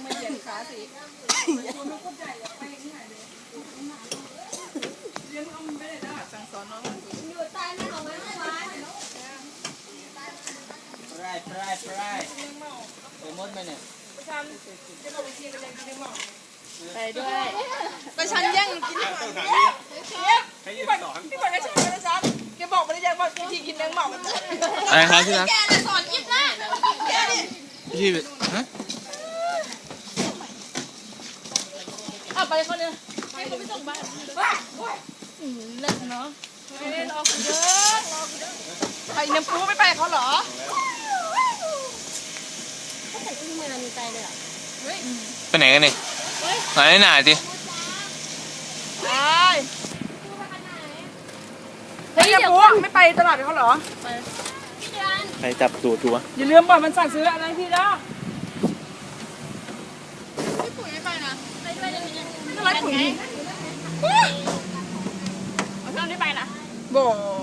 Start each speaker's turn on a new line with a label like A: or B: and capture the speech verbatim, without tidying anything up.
A: ไม่เหยียดขาสิเลี้ยงเอาไม่ได้ได้สั่งสอนน้องอยู่ใต้ไม่เอาไว้ไม่ไว้
B: ปลายปลายปลายไปมดไหมเนี่ย
A: ไปด้วยไปฉันแย่งกินอาหารพี่บอลพี่บอลก็ชอบนะจ๊ะแกบอกมาได้ยังว่าพี่กินแมงเม่า
C: อะไรครับที่รัก
A: แกจะสอนยิบนะแกดิ
C: พี่ฮะ
A: อ่ะไปคนนึงให้เขาไปส่งบ้านอืมเลิกเนาะไม่ได้รอคุณเยอะรอคุณเยอะไปน้ำปูไม่ไปเขาเหรอ
D: เขาใส่ชุดมือมีใจเลยเหรอ
C: ไปไหนกันนี่ไหนหนาจิ
A: ไปเฮ้ยน้ำปูไม่ไปตลาดเขาเหรอ
C: ใครจับตัวตัว
A: อย่าลืมบอกมันสั่งซื้ออะไรพี่นะพี่ปุ๋ยไม่ไปนะไปด้วยเลยไม่ต้องไล่ปุ๋ยเอาเท่านี้ไปนะโบ